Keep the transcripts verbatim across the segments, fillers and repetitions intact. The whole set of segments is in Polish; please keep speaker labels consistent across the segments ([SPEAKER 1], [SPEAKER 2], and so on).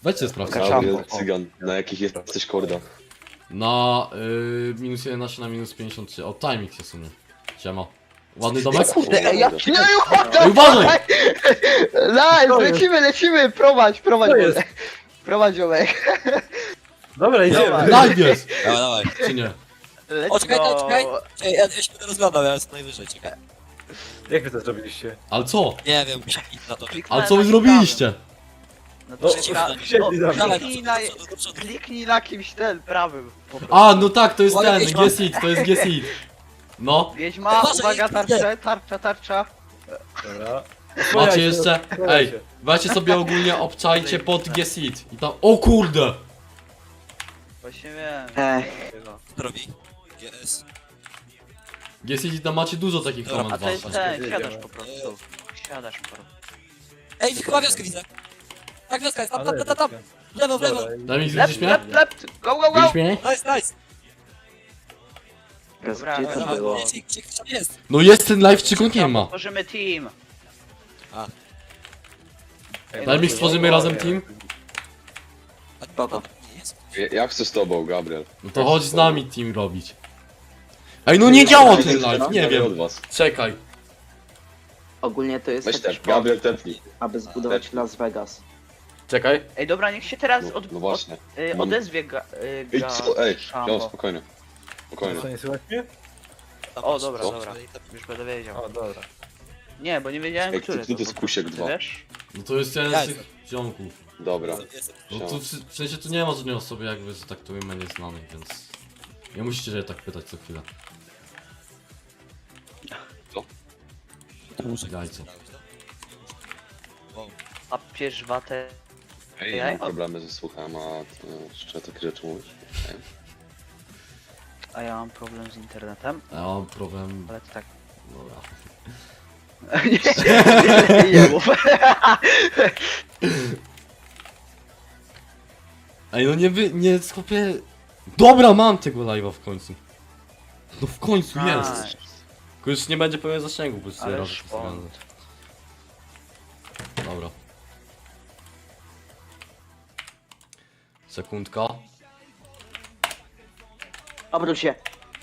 [SPEAKER 1] Weźcie sprawdźcie.
[SPEAKER 2] Gabriel Cygan, na jakich jesteś kordach?
[SPEAKER 1] Na y, minus jedenaście na minus pięćdziesiąt trzy. O, timing się sunie. Siema. Ładny domek?
[SPEAKER 3] Kurde, ej, ja
[SPEAKER 2] Ej,
[SPEAKER 1] Ej, uważaj!
[SPEAKER 3] Nice, lecimy, lecimy, prowadź, prowadź,
[SPEAKER 4] Co jest?
[SPEAKER 3] prowadź ziomek.
[SPEAKER 4] Dobra, idziemy.
[SPEAKER 1] Live jest!
[SPEAKER 5] Dawaj, dawaj.
[SPEAKER 1] Czy nie?
[SPEAKER 3] Let's
[SPEAKER 5] O, czekaj,
[SPEAKER 3] go.
[SPEAKER 5] czekaj. Ej, ja, ja się będę rozglądał, ja jestem najwyżej, czekaj.
[SPEAKER 4] Jak wy to zrobiliście?
[SPEAKER 1] Ale co?
[SPEAKER 5] Nie wiem, muszę iść na to.
[SPEAKER 3] Kliknąłem
[SPEAKER 1] Ale co wy
[SPEAKER 3] na
[SPEAKER 1] zrobiliście?
[SPEAKER 3] No
[SPEAKER 4] No,
[SPEAKER 3] to
[SPEAKER 5] przeciwko.
[SPEAKER 4] wsiedli za
[SPEAKER 3] no,
[SPEAKER 4] mną.
[SPEAKER 5] Dawaj,
[SPEAKER 3] kliknij
[SPEAKER 5] do
[SPEAKER 3] na,
[SPEAKER 5] przodu, do przodu.
[SPEAKER 3] kliknij na kimś ten, prawym. po prostu.
[SPEAKER 1] A, no tak, to jest
[SPEAKER 5] Uwaga,
[SPEAKER 1] ten,
[SPEAKER 5] wiedźma.
[SPEAKER 1] Gesit, to jest Gesit. No,
[SPEAKER 3] Wiedźma,
[SPEAKER 5] Uważaj,
[SPEAKER 3] uwaga,
[SPEAKER 5] kurde.
[SPEAKER 3] tarcza, tarcza, tarcza.
[SPEAKER 4] Dobra.
[SPEAKER 1] macie jeszcze... Ej, weźcie sobie ogólnie, obczajcie pod Gesit. I tam... O kurde!
[SPEAKER 3] Właśnie wiem.
[SPEAKER 6] Ech,
[SPEAKER 5] Co robi? G S.
[SPEAKER 1] Gesit i tam macie dużo takich
[SPEAKER 5] Dobra,
[SPEAKER 1] komend
[SPEAKER 3] A to jest
[SPEAKER 1] waszych.
[SPEAKER 3] ten, siadasz po prostu. Siadasz po prostu.
[SPEAKER 5] Ej, chyba wioskę widzę. Tak, wioska jest, tam, tam, tam, tam. W lewo, w lewo.
[SPEAKER 1] Daj mi
[SPEAKER 3] Lep,
[SPEAKER 1] widzisz mnie?
[SPEAKER 3] lep, lep, go, go, go!
[SPEAKER 1] Widzisz mnie?
[SPEAKER 5] Nice, nice.
[SPEAKER 6] gaz,
[SPEAKER 3] Dobra,
[SPEAKER 6] gdzie
[SPEAKER 3] dobra,
[SPEAKER 6] to
[SPEAKER 5] Dobra,
[SPEAKER 6] było?
[SPEAKER 5] gdzie, gdzie, gdzie tam jest?
[SPEAKER 1] No jest ten live, czy go nie ma?
[SPEAKER 3] Tworzymy team.
[SPEAKER 1] Daj mi stworzymy razem team.
[SPEAKER 5] A,
[SPEAKER 6] Spoko.
[SPEAKER 5] nie jest.
[SPEAKER 2] Ja, ja chcę z tobą, Gabriel.
[SPEAKER 1] No to chodź z nami team robić. Ej, no nie działa ten live, nie
[SPEAKER 2] Od
[SPEAKER 1] wiem.
[SPEAKER 2] was.
[SPEAKER 1] Czekaj.
[SPEAKER 6] Ogólnie to jest
[SPEAKER 2] Weź
[SPEAKER 6] jakiś
[SPEAKER 2] też, Gabriel tepnij.
[SPEAKER 6] aby zbudować Las Vegas.
[SPEAKER 1] Czekaj.
[SPEAKER 3] Ej, dobra, niech się teraz
[SPEAKER 2] No,
[SPEAKER 3] od,
[SPEAKER 2] no właśnie.
[SPEAKER 3] od, y, odezwie ga, y,
[SPEAKER 2] Ej,
[SPEAKER 3] ga,
[SPEAKER 2] co? Ej,
[SPEAKER 3] Szambo.
[SPEAKER 2] Jon, spokojnie. Spokojnie.
[SPEAKER 4] Co, nie słychać mnie?
[SPEAKER 5] Tam
[SPEAKER 3] O,
[SPEAKER 5] masz-
[SPEAKER 3] dobra,
[SPEAKER 2] Co?
[SPEAKER 3] dobra. Już będę wiedział.
[SPEAKER 4] O, dobra.
[SPEAKER 3] Nie, bo nie wiedziałem,
[SPEAKER 2] Ej,
[SPEAKER 3] który
[SPEAKER 2] kto to jest
[SPEAKER 3] po
[SPEAKER 2] Kusiek
[SPEAKER 3] prostu,
[SPEAKER 2] dwa?
[SPEAKER 3] Wiesz?
[SPEAKER 1] No to jest jeden
[SPEAKER 5] Ja
[SPEAKER 1] z tych ziomków.
[SPEAKER 2] Dobra.
[SPEAKER 5] Jestem.
[SPEAKER 1] No tu w, w sensie tu nie ma żadnej osoby jakby, że tak to imię nie znamy, więc... Nie musicie się tak pytać co chwilę.
[SPEAKER 5] To muszę
[SPEAKER 1] Jajco.
[SPEAKER 5] Wow.
[SPEAKER 3] A pierz watę.
[SPEAKER 2] Ej,
[SPEAKER 3] Ej,
[SPEAKER 2] mam
[SPEAKER 3] o-
[SPEAKER 2] problemy ze słuchem, a ty jeszcze takie rzeczy mówisz? Ej.
[SPEAKER 3] A ja mam problem z internetem,
[SPEAKER 1] A ja mam problem...
[SPEAKER 3] ale to tak.
[SPEAKER 1] Dobra.
[SPEAKER 3] nie, nie mów.
[SPEAKER 1] Ej no nie wy... nie skopię... Dobra, mam tego live'a w końcu. No w końcu jest.
[SPEAKER 3] Nice.
[SPEAKER 1] Tylko już nie będzie pełen zasięgu, bo już sobie
[SPEAKER 3] Ale
[SPEAKER 1] razy
[SPEAKER 3] szpont.
[SPEAKER 1] postawiłem. Dobra. Sekundka.
[SPEAKER 6] Obróć się.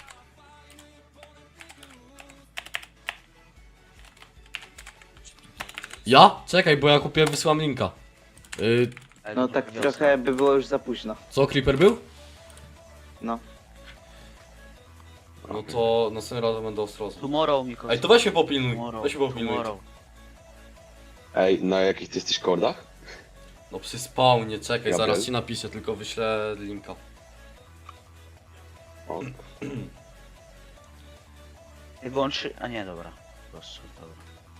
[SPEAKER 1] Ja? Czekaj, bo ja kupiłem, wysyłam linka. Yy,
[SPEAKER 3] Ej,
[SPEAKER 6] No
[SPEAKER 3] dobra,
[SPEAKER 6] tak
[SPEAKER 3] wiosna.
[SPEAKER 6] trochę by było już za późno.
[SPEAKER 1] co, Creeper był?
[SPEAKER 6] No.
[SPEAKER 1] No to następnym razem będę ostrożny.
[SPEAKER 3] Tomorrow, Miko.
[SPEAKER 1] Ej, to weź się popilnuj,
[SPEAKER 3] Tomorrow,
[SPEAKER 1] weź się popilnuj.
[SPEAKER 3] tomorrow.
[SPEAKER 2] Ej, na jakich ty jesteś kordach?
[SPEAKER 1] No przy spawnie, czekaj,
[SPEAKER 2] Gabriel?
[SPEAKER 1] zaraz ci napiszę, tylko wyślę linka.
[SPEAKER 2] O,
[SPEAKER 3] Ej, Włączy... A nie, dobra. Po prostu, dobra.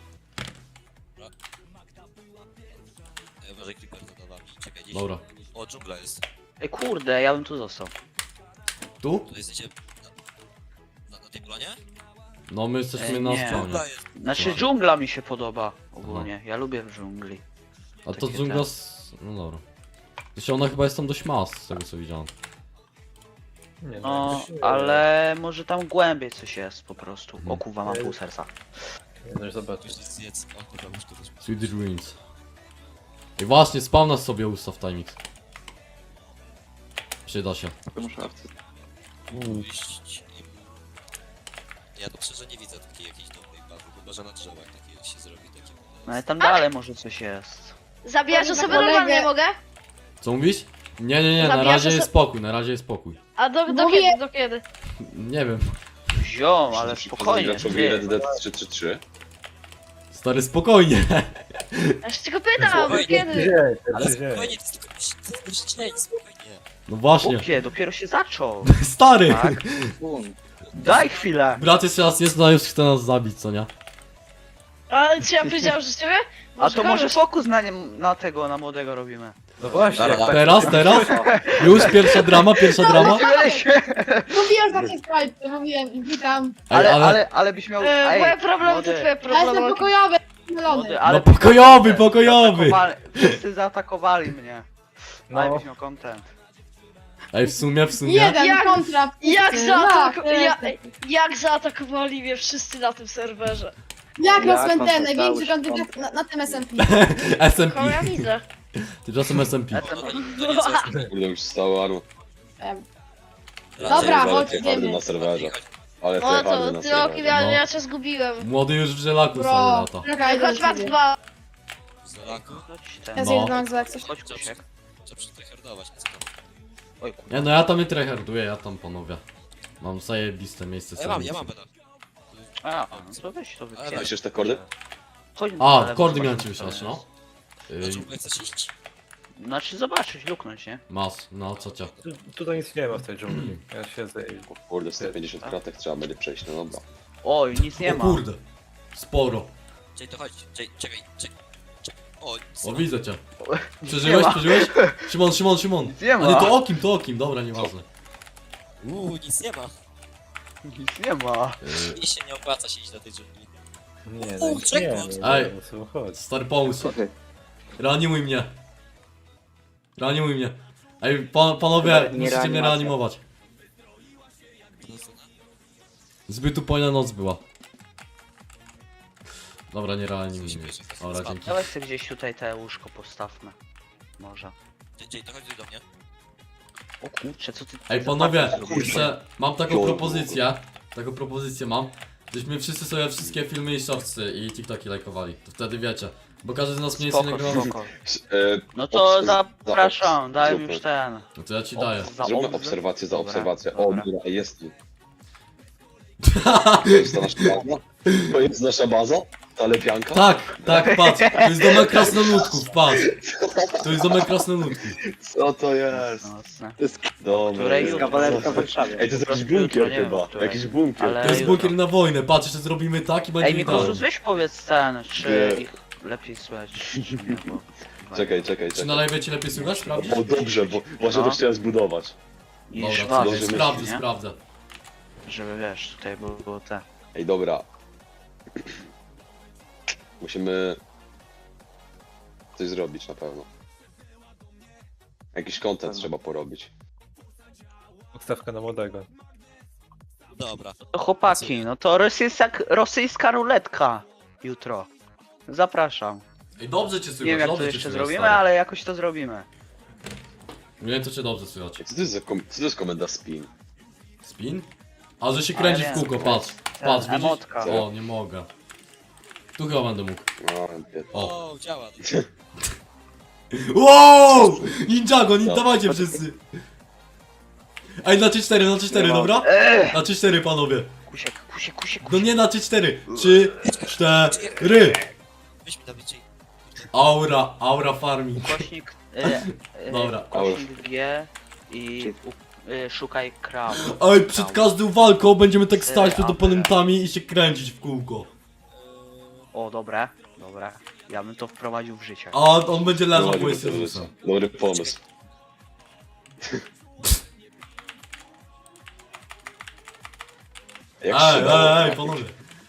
[SPEAKER 5] Ej, uważaj, creeper to dodam. Czekaj, gdzieś.
[SPEAKER 1] Dobra.
[SPEAKER 5] O, dżungla jest.
[SPEAKER 3] Ej, kurde, ja bym tu został.
[SPEAKER 1] Tu?
[SPEAKER 5] Tu jesteście... Na, na, na tej planie?
[SPEAKER 1] No my jesteśmy
[SPEAKER 3] Ej,
[SPEAKER 1] na
[SPEAKER 3] nie.
[SPEAKER 1] spawnie.
[SPEAKER 5] Dżungla jest.
[SPEAKER 3] Znaczy
[SPEAKER 1] Dobra.
[SPEAKER 3] dżungla mi się podoba ogólnie. Ja lubię w dżungli.
[SPEAKER 1] A to
[SPEAKER 3] takie
[SPEAKER 1] dżungla
[SPEAKER 3] te-
[SPEAKER 1] z... no dobra. Zresztą ona chyba jest tam dość mas, z tego co widziałem.
[SPEAKER 4] Nie,
[SPEAKER 3] No,
[SPEAKER 4] jakoś nie-
[SPEAKER 3] ale może tam głębiej coś jest po prostu.
[SPEAKER 1] Mhm.
[SPEAKER 3] O kurwa, mam pół serca.
[SPEAKER 4] Nie, no już zobaczysz.
[SPEAKER 5] Już jest zjedz. O, kurwa, już tu rozumiem.
[SPEAKER 1] Sweet Ruins. I właśnie, spawna sobie ustaw timing. Przyda się.
[SPEAKER 6] Muszę.
[SPEAKER 5] Iść im... Ja to szczerze nie widzę takiej jakiejś dobrej bazy, chyba że na drzewach takie się zrobi takie...
[SPEAKER 3] No ale tam dalej może coś jest.
[SPEAKER 7] Zabijać
[SPEAKER 8] Powiem
[SPEAKER 7] osobę
[SPEAKER 8] za kolegę.
[SPEAKER 7] normalnie mogę?
[SPEAKER 1] Co mówisz? Nie, nie, nie, na
[SPEAKER 7] Zabijasz
[SPEAKER 1] razie
[SPEAKER 7] oso-
[SPEAKER 1] jest spokój, na razie jest spokój.
[SPEAKER 7] A do, do
[SPEAKER 8] Mówię-
[SPEAKER 7] kiedy, do kiedy?
[SPEAKER 1] Nie wiem.
[SPEAKER 3] Ziom, ale
[SPEAKER 2] Przeciwko
[SPEAKER 3] spokojnie.
[SPEAKER 2] graczowi
[SPEAKER 3] ty.
[SPEAKER 2] Red Dead trzy trzy trzy.
[SPEAKER 1] Stary, spokojnie.
[SPEAKER 7] Ja się tylko pytam, do
[SPEAKER 5] Spokojnie.
[SPEAKER 7] kiedy?
[SPEAKER 4] Gdzie?
[SPEAKER 5] Ale
[SPEAKER 4] Gdzie?
[SPEAKER 5] spokojnie, to jest tylko to jest tylko dzień, spokojnie.
[SPEAKER 1] No właśnie.
[SPEAKER 3] Głupie, dopiero się zaczął.
[SPEAKER 1] Stary!
[SPEAKER 3] Tak?
[SPEAKER 6] Bum.
[SPEAKER 3] Daj chwilę.
[SPEAKER 1] Brat jeszcze raz jest, no już chce nas zabić, co nie?
[SPEAKER 7] Ale czy ja powiedziałem, że z ciebie?
[SPEAKER 3] A to może
[SPEAKER 7] kogoś-
[SPEAKER 3] fokus na, nie, na tego, na młodego robimy.
[SPEAKER 4] No właśnie, jak
[SPEAKER 5] Dobra.
[SPEAKER 4] tak
[SPEAKER 1] Teraz, teraz? Już pierwsza drama, pierwsza drama?
[SPEAKER 3] Lecimy, lecimy.
[SPEAKER 8] Mówiłem takie Skype, mówiłem, witam.
[SPEAKER 1] Ej,
[SPEAKER 3] Ale,
[SPEAKER 1] ale...
[SPEAKER 3] ale, ale byś miał...
[SPEAKER 7] E,
[SPEAKER 3] Ej,
[SPEAKER 7] moje problemy to
[SPEAKER 3] młody,
[SPEAKER 7] twoje
[SPEAKER 8] Ja jestem
[SPEAKER 7] problemy.
[SPEAKER 8] pokojowy,
[SPEAKER 3] młody,
[SPEAKER 8] zielony.
[SPEAKER 3] ale...
[SPEAKER 1] No pokojowy, pokojowy!
[SPEAKER 3] Zaatakowali- Wszyscy zaatakowali mnie.
[SPEAKER 4] No.
[SPEAKER 3] Ale byś miał content.
[SPEAKER 1] Ej, w sumie, w sumie...
[SPEAKER 8] Jeden
[SPEAKER 7] Jak-
[SPEAKER 8] kontra.
[SPEAKER 7] Jak,
[SPEAKER 8] wszyscy.
[SPEAKER 7] zaataku...
[SPEAKER 8] Ja,
[SPEAKER 7] ja,
[SPEAKER 8] jestem.
[SPEAKER 7] jak zaatakowali mnie wszyscy na tym serwerze?
[SPEAKER 8] Jak
[SPEAKER 6] Jak
[SPEAKER 8] rozpędzę
[SPEAKER 6] on
[SPEAKER 8] największy
[SPEAKER 6] dostał
[SPEAKER 8] kandydat na, na tym S M P.
[SPEAKER 1] S M
[SPEAKER 7] Koło ja
[SPEAKER 1] P.
[SPEAKER 7] widzę.
[SPEAKER 1] Tymczasem S M P.
[SPEAKER 6] Ja
[SPEAKER 5] No,
[SPEAKER 6] tam-
[SPEAKER 5] to, to nie coś.
[SPEAKER 2] Kurde, już stało Anu.
[SPEAKER 8] Em,
[SPEAKER 5] Raczej
[SPEAKER 8] Dobra,
[SPEAKER 2] Ale
[SPEAKER 8] chodź,
[SPEAKER 2] ty hardy
[SPEAKER 8] idziemy.
[SPEAKER 2] na serwerze. Ale ty
[SPEAKER 7] O,
[SPEAKER 2] hardy
[SPEAKER 7] to
[SPEAKER 2] na
[SPEAKER 7] ty okiem,
[SPEAKER 2] serwerze.
[SPEAKER 7] ja,
[SPEAKER 1] no.
[SPEAKER 7] ja cię zgubiłem.
[SPEAKER 1] Młody już w żelaku sobie
[SPEAKER 8] Bro,
[SPEAKER 1] lata.
[SPEAKER 8] czekaj,
[SPEAKER 7] Chodź was dwa.
[SPEAKER 5] Zolaku?
[SPEAKER 6] Chodź
[SPEAKER 8] Ja
[SPEAKER 6] ten.
[SPEAKER 8] zjeżdżam
[SPEAKER 1] No.
[SPEAKER 8] jak jak coś.
[SPEAKER 6] Chodź Kusiek.
[SPEAKER 5] Trzeba przetryhardować, co tam?
[SPEAKER 6] Oj kurwa.
[SPEAKER 1] Nie no, ja tam nie tryharduję, ja tam panowie. Mam zajebiste miejsce
[SPEAKER 5] Ja mam,
[SPEAKER 1] sobie.
[SPEAKER 5] ja mam pedał.
[SPEAKER 6] A, no to weź to
[SPEAKER 5] Ale
[SPEAKER 6] wypierdź.
[SPEAKER 2] Myślisz te kordy?
[SPEAKER 6] Chodź
[SPEAKER 1] A,
[SPEAKER 6] ale
[SPEAKER 1] kordy
[SPEAKER 6] zobacz,
[SPEAKER 1] miałem
[SPEAKER 6] co
[SPEAKER 1] ci
[SPEAKER 6] to
[SPEAKER 1] wysiać,
[SPEAKER 6] jest.
[SPEAKER 1] no. Yy,
[SPEAKER 5] Dlaczego chcesz iść?
[SPEAKER 6] Znaczy zobaczyć, luknąć, nie?
[SPEAKER 1] mas, no co cię.
[SPEAKER 4] Tu, tutaj nic nie ma w tej dżungli. Ja siedzę i...
[SPEAKER 2] Kurde, sto pięćdziesiąt kratek trzeba będzie przejść, no dobra.
[SPEAKER 6] Oj, nic nie
[SPEAKER 1] O
[SPEAKER 6] ma.
[SPEAKER 1] kurde. Sporo.
[SPEAKER 5] Czekaj, to chodź, czekaj, czekaj, czekaj. czekaj. O, nic
[SPEAKER 1] O,
[SPEAKER 5] nie ma.
[SPEAKER 1] widzę cię.
[SPEAKER 6] Nie
[SPEAKER 1] Przeżyłeś,
[SPEAKER 6] ma.
[SPEAKER 1] przeżyłeś? Szymon, Szymon, Szymon.
[SPEAKER 6] Nic nie
[SPEAKER 1] A
[SPEAKER 6] ma.
[SPEAKER 1] nie, to okim, to okim, dobra, nieważne.
[SPEAKER 5] Uuu, nic nie ma.
[SPEAKER 6] Nic nie ma.
[SPEAKER 1] Yy,
[SPEAKER 5] Mi się nie opłaca się iść do tej dżungli.
[SPEAKER 4] Nie,
[SPEAKER 5] O,
[SPEAKER 4] no, nie,
[SPEAKER 5] checkpoint.
[SPEAKER 4] no,
[SPEAKER 1] Ej.
[SPEAKER 4] no, co chodź.
[SPEAKER 1] stary pomysł.
[SPEAKER 6] Co ty?
[SPEAKER 1] Reanimuj mnie. Reanimuj mnie. Ej, pa, panowie,
[SPEAKER 6] Nie
[SPEAKER 1] musicie mnie
[SPEAKER 6] reanimacja.
[SPEAKER 1] reanimować. Zbyt upojna noc była. Dobra, nie reanimuj mnie. Dobra, dzięki.
[SPEAKER 6] Dawaj sobie gdzieś tutaj te łóżko postawmy. Może.
[SPEAKER 5] Czekaj, to chodź do mnie.
[SPEAKER 6] O kurczę, co ty...
[SPEAKER 1] Ej,
[SPEAKER 6] za
[SPEAKER 1] panowie,
[SPEAKER 6] party zrobiłeś?
[SPEAKER 1] kurczę, mam taką
[SPEAKER 2] Ciągle.
[SPEAKER 1] propozycję. Taką propozycję mam. Żeśmy wszyscy sobie wszystkie filmy i shortsy i TikToki lajkowali. To wtedy wiecie. Bo każdy z nas mniej więcej
[SPEAKER 6] Spoko,
[SPEAKER 1] nagrywa.
[SPEAKER 6] spoko.
[SPEAKER 2] E,
[SPEAKER 6] No to
[SPEAKER 2] obs-
[SPEAKER 6] zapraszam,
[SPEAKER 2] za-
[SPEAKER 6] daj
[SPEAKER 2] zróbmy.
[SPEAKER 6] już ten.
[SPEAKER 1] No to ja ci daję.
[SPEAKER 6] Za
[SPEAKER 2] Zróbmy
[SPEAKER 6] obs-
[SPEAKER 2] obserwację za
[SPEAKER 6] Dobra,
[SPEAKER 2] obserwację. O,
[SPEAKER 6] dobra.
[SPEAKER 2] dobra, jest tu. To jest ta nasza baza? To jest nasza baza? Ta lepianka?
[SPEAKER 1] Tak, tak, patrz. To jest domek krasnoludków, patrz. To jest domek krasnoludków.
[SPEAKER 2] Co to jest?
[SPEAKER 6] Mocne.
[SPEAKER 2] Dobra.
[SPEAKER 6] Której
[SPEAKER 2] jest.
[SPEAKER 6] kawalerka w Warszawie.
[SPEAKER 2] Ej, to jest
[SPEAKER 6] Po
[SPEAKER 2] jakiś
[SPEAKER 6] prostu
[SPEAKER 2] bunkier
[SPEAKER 6] jutro, nie wiem,
[SPEAKER 2] chyba.
[SPEAKER 6] której.
[SPEAKER 2] Jakiś bunkier.
[SPEAKER 6] Ale-
[SPEAKER 1] To jest
[SPEAKER 6] jutro.
[SPEAKER 1] bunkier na wojnę, patrz, jeszcze zrobimy tak i będzie
[SPEAKER 6] Ej,
[SPEAKER 1] idealnie.
[SPEAKER 6] Mikrosus, weź powiedz ten, czy
[SPEAKER 2] Nie.
[SPEAKER 6] ich lepiej słychać, czy nie, bo...
[SPEAKER 2] Czekaj, czekaj,
[SPEAKER 1] Czy na
[SPEAKER 2] czekaj.
[SPEAKER 1] live cię lepiej słychać, sprawdzisz?
[SPEAKER 2] O, dobrze, bo właśnie
[SPEAKER 6] No.
[SPEAKER 2] to chciałem zbudować.
[SPEAKER 6] Niż
[SPEAKER 1] Dobra,
[SPEAKER 6] was,
[SPEAKER 1] to
[SPEAKER 2] dobrze
[SPEAKER 1] sprawdzę,
[SPEAKER 6] nie?
[SPEAKER 1] sprawdzę.
[SPEAKER 6] Żeby wiesz, tutaj było, było te...
[SPEAKER 2] Ej, dobra. Musimy coś zrobić na pewno. Jakiś content trzeba porobić.
[SPEAKER 4] Odstawka na młodego.
[SPEAKER 5] Dobra.
[SPEAKER 6] To chłopaki, no to rosyjska, rosyjska ruletka jutro. Zapraszam.
[SPEAKER 1] Ej, dobrze cię słychać,
[SPEAKER 6] Nie wiem jak to
[SPEAKER 1] dobrze cię
[SPEAKER 6] jeszcze
[SPEAKER 1] słychać,
[SPEAKER 6] zrobimy,
[SPEAKER 1] stary.
[SPEAKER 6] ale jakoś to zrobimy.
[SPEAKER 1] Nie wiem, to cię dobrze słychać.
[SPEAKER 2] Co to jest, za kom- co to jest komenda spin?
[SPEAKER 1] Spin? A, że się kręci
[SPEAKER 6] Ale
[SPEAKER 1] w
[SPEAKER 6] wiem,
[SPEAKER 1] kółko,
[SPEAKER 6] to
[SPEAKER 1] patrz. Patrz, widzisz?
[SPEAKER 6] emotka.
[SPEAKER 1] O, nie mogę. Tu chyba będę mógł.
[SPEAKER 2] No, nie.
[SPEAKER 1] O.
[SPEAKER 5] O, działa.
[SPEAKER 1] Wow! Ninjago, nie
[SPEAKER 2] No.
[SPEAKER 1] dawajcie wszyscy. Ej, na trzy cztery, na trzy cztery,
[SPEAKER 6] Nie
[SPEAKER 1] dobra?
[SPEAKER 6] Eee!
[SPEAKER 1] Na trzy cztery, panowie.
[SPEAKER 6] Kusiek, kusiek, kusiek,
[SPEAKER 1] No
[SPEAKER 6] kusiek.
[SPEAKER 1] nie na trzy cztery. trzy cztery.
[SPEAKER 5] Weź mi Dawidcie.
[SPEAKER 1] Aura, aura farming.
[SPEAKER 6] Ukośnik, e, e,
[SPEAKER 1] Dobra.
[SPEAKER 6] ukośnik G i u, e, szukaj kraw.
[SPEAKER 1] Ej, przed każdą walką będziemy tak stać przed
[SPEAKER 6] Ej,
[SPEAKER 1] oponentami i się kręcić w kółko.
[SPEAKER 6] O, dobre, dobre. Ja bym to wprowadził w życie.
[SPEAKER 1] A on będzie leżał, bo
[SPEAKER 2] Dobry
[SPEAKER 1] jest
[SPEAKER 2] pomysł.
[SPEAKER 1] Jezusem.
[SPEAKER 2] Dobry pomysł. Jak
[SPEAKER 1] Ej,
[SPEAKER 2] się dało
[SPEAKER 1] ej, ej,
[SPEAKER 2] trafić?
[SPEAKER 1] panowie.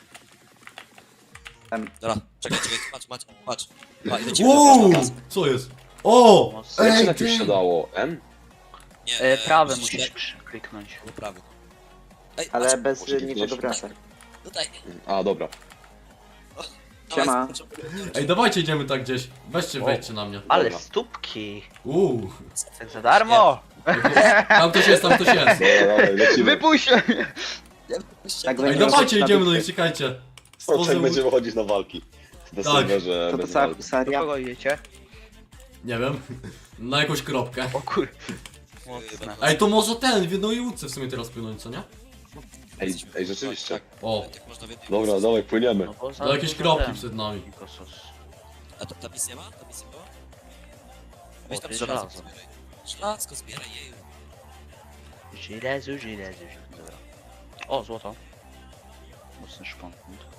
[SPEAKER 5] Dobra, czekaj, czekaj, patrz, patrz, patrz. Pa, i lecimy
[SPEAKER 1] Uuu,
[SPEAKER 5] na raz.
[SPEAKER 1] co jest? O!
[SPEAKER 6] Mocno.
[SPEAKER 2] Jak się
[SPEAKER 1] Ej,
[SPEAKER 2] tak już
[SPEAKER 1] ty.
[SPEAKER 2] się dało? M?
[SPEAKER 5] Nie,
[SPEAKER 6] E, prawy
[SPEAKER 5] musisz
[SPEAKER 6] musisz
[SPEAKER 5] le-
[SPEAKER 6] krzy- kliknąć.
[SPEAKER 5] Albo prawy. Ej,
[SPEAKER 6] Ale
[SPEAKER 5] patrz,
[SPEAKER 6] bez
[SPEAKER 2] muszę
[SPEAKER 6] niczego
[SPEAKER 2] kliknąć.
[SPEAKER 6] wraca.
[SPEAKER 5] no daj.
[SPEAKER 2] A, dobra.
[SPEAKER 6] Siema.
[SPEAKER 1] Ej, dawajcie idziemy tak gdzieś. Weźcie, wejdźcie na mnie.
[SPEAKER 6] Ale
[SPEAKER 2] Dobra.
[SPEAKER 6] stópki!
[SPEAKER 1] Uuu.
[SPEAKER 6] Tak za darmo!
[SPEAKER 1] Tam ktoś jest, tam ktoś jest.
[SPEAKER 2] Dobra, dawaj, lecimy.
[SPEAKER 6] Wypuść się! Tak
[SPEAKER 1] Ej,
[SPEAKER 6] będzie
[SPEAKER 1] dawajcie
[SPEAKER 6] na
[SPEAKER 1] idziemy, no
[SPEAKER 6] dupie.
[SPEAKER 1] i czekajcie.
[SPEAKER 2] O, tak
[SPEAKER 1] Stworzę...
[SPEAKER 2] będziemy chodzić na walki. Na
[SPEAKER 1] Tak.
[SPEAKER 2] serwerze
[SPEAKER 6] To to
[SPEAKER 2] bez
[SPEAKER 6] cała
[SPEAKER 2] walki.
[SPEAKER 6] Do
[SPEAKER 3] Seria?
[SPEAKER 6] kogo idziecie?
[SPEAKER 1] Nie wiem. Na jakąś kropkę.
[SPEAKER 6] O kur... Mocne.
[SPEAKER 1] Ej, to może ten, w jednej łódce w sumie teraz płynąć, co nie?
[SPEAKER 2] Ej, ej, rzeczywiście.
[SPEAKER 1] O,
[SPEAKER 5] Tak można w jednej
[SPEAKER 2] Dobra,
[SPEAKER 5] miejscu.
[SPEAKER 2] dawaj, płyniemy.
[SPEAKER 6] No bo za
[SPEAKER 1] to jakieś
[SPEAKER 6] dużo
[SPEAKER 1] kropki
[SPEAKER 6] ten.
[SPEAKER 1] przed nami.
[SPEAKER 6] Mikosos.
[SPEAKER 5] A to ta misja ma? Ta misja była? Weź
[SPEAKER 6] O,
[SPEAKER 5] tam
[SPEAKER 6] ty
[SPEAKER 5] żelazo
[SPEAKER 6] żelazo.
[SPEAKER 5] zbieraj. Żelazko zbieraj, jeju.
[SPEAKER 6] Żilezu, żilezu. Dobra. O, złoto. Mocny szpon.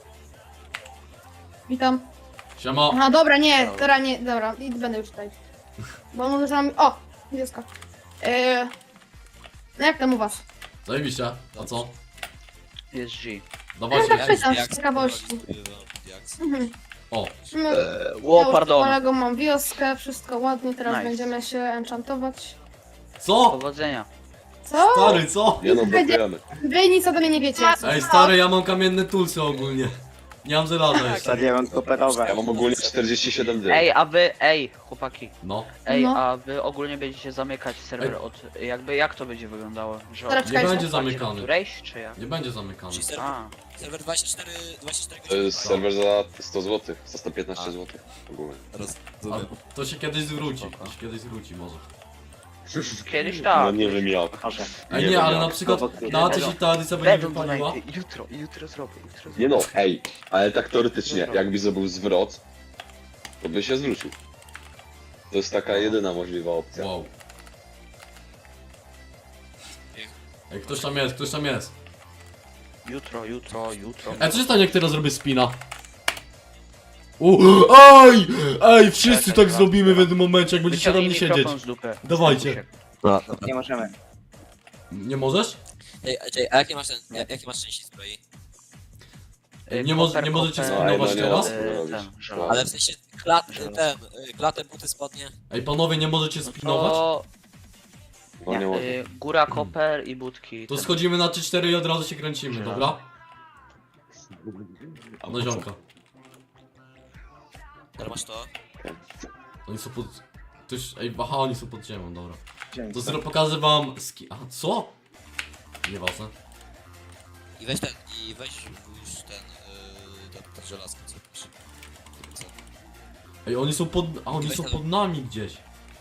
[SPEAKER 8] Witam.
[SPEAKER 1] Siema.
[SPEAKER 8] Aha, dobra, nie, dobra, nie, dobra, i będę już tutaj. Bo może że mam... O! Wioska. Eee... No jak tam u was?
[SPEAKER 1] Zajebiście. A co?
[SPEAKER 6] Jest G.
[SPEAKER 8] No
[SPEAKER 1] Dawajcie.
[SPEAKER 8] tak pytam,
[SPEAKER 5] Jak
[SPEAKER 8] z ciekawości.
[SPEAKER 5] Jak
[SPEAKER 8] Mhm.
[SPEAKER 1] O,
[SPEAKER 8] No,
[SPEAKER 6] Ło,
[SPEAKER 8] ja z
[SPEAKER 6] pardon.
[SPEAKER 8] kolegą mam wioskę, wszystko ładnie, teraz
[SPEAKER 6] Nice.
[SPEAKER 8] będziemy się enchantować.
[SPEAKER 1] co?
[SPEAKER 6] Powodzenia.
[SPEAKER 8] Co?
[SPEAKER 1] Stary, co?
[SPEAKER 2] Nie no, blokujemy.
[SPEAKER 8] Wy nic ode mnie nie wiecie.
[SPEAKER 1] Ej, stary, ja mam kamienne tulsy ogólnie. Nie mam żelaza jeszcze.
[SPEAKER 3] Stadion koperowe.
[SPEAKER 2] Ja mam ogólnie czterdzieści siedem dni.
[SPEAKER 6] Ej, a wy, ej, chłopaki.
[SPEAKER 1] No.
[SPEAKER 6] Ej,
[SPEAKER 8] No.
[SPEAKER 6] a wy ogólnie będziecie zamykać serwer
[SPEAKER 1] Ej.
[SPEAKER 6] od... Jakby jak to będzie wyglądało? Że
[SPEAKER 8] Teraz
[SPEAKER 6] od...
[SPEAKER 8] czekajcie.
[SPEAKER 1] będzie
[SPEAKER 6] otwarcie do
[SPEAKER 1] zamykany.
[SPEAKER 6] którejś, czy jak?
[SPEAKER 1] Nie będzie zamykany.
[SPEAKER 5] Czyli serwer,
[SPEAKER 6] A,
[SPEAKER 5] serwer dwadzieścia cztery, dwadzieścia cztery
[SPEAKER 2] To
[SPEAKER 5] godziny.
[SPEAKER 2] jest serwer za sto złotych, za sto piętnaście
[SPEAKER 5] A.
[SPEAKER 2] złotych ogólnie.
[SPEAKER 1] A
[SPEAKER 5] Rozumiem.
[SPEAKER 1] to się kiedyś zwróci.
[SPEAKER 6] Spoko.
[SPEAKER 1] To się kiedyś zwróci może.
[SPEAKER 6] kiedyś
[SPEAKER 2] No
[SPEAKER 6] tak.
[SPEAKER 2] nie wiem jak.
[SPEAKER 6] Może.
[SPEAKER 1] Ej
[SPEAKER 2] Nie
[SPEAKER 1] nie,
[SPEAKER 2] wiem
[SPEAKER 1] ale
[SPEAKER 2] jak.
[SPEAKER 1] na przykład
[SPEAKER 3] Prowokuję.
[SPEAKER 1] na co się ta edycja będzie
[SPEAKER 6] Będą
[SPEAKER 1] wypaliła?
[SPEAKER 6] donaty. Jutro, jutro zrobię, jutro zrobię.
[SPEAKER 2] Nie no, ej, ale tak teoretycznie, jakby zrobił zwrot, to by się zwrócił. To jest taka jedyna możliwa opcja.
[SPEAKER 1] Wow. Ej, ktoś tam jest, ktoś tam jest.
[SPEAKER 6] Jutro, jutro, jutro.
[SPEAKER 1] Ej, co się stanie, jak teraz zrobię spina? U, ej! Ej, wszyscy
[SPEAKER 6] Czekaj,
[SPEAKER 1] tak zrobimy w jednym momencie, jak będziecie na
[SPEAKER 6] Wyciągnij
[SPEAKER 1] mnie siedzieć.
[SPEAKER 6] mikrofon z dupy.
[SPEAKER 1] Dawajcie.
[SPEAKER 3] Nie możemy.
[SPEAKER 1] Nie możesz?
[SPEAKER 5] Ej, ej, a jakie masz ten, jak- jakie masz części zbroi?
[SPEAKER 6] Y,
[SPEAKER 1] Nie, mo
[SPEAKER 6] koper,
[SPEAKER 1] nie możecie
[SPEAKER 6] koper,
[SPEAKER 2] No, ej, no
[SPEAKER 1] spinować
[SPEAKER 2] nie
[SPEAKER 1] teraz?
[SPEAKER 2] ma co
[SPEAKER 6] y,
[SPEAKER 2] robić.
[SPEAKER 6] ten, żelazo.
[SPEAKER 5] Ale w sensie klat,
[SPEAKER 6] Żelazo.
[SPEAKER 5] ten, y, klatę, buty, spodnie.
[SPEAKER 1] Ej, panowie, nie możecie spinować?
[SPEAKER 6] To
[SPEAKER 2] No nie może.
[SPEAKER 6] y, góra, koper i budki.
[SPEAKER 1] To
[SPEAKER 6] Ten-
[SPEAKER 1] schodzimy na trzy cztery i od razu się kręcimy, dobra? No ziomka.
[SPEAKER 5] Teraz masz to.
[SPEAKER 1] Oni są pod... Ktoś... Ej, aha, oni są pod ziemią, dobra. To zro... pokażę wam ski... A, co? Nieważne.
[SPEAKER 5] I weź ten, i weź już ten, y, ten, ten żelazko, co pisze. Co?
[SPEAKER 1] Ej, oni są pod... A, oni
[SPEAKER 5] Weź
[SPEAKER 1] są
[SPEAKER 5] ten-
[SPEAKER 1] pod nami gdzieś.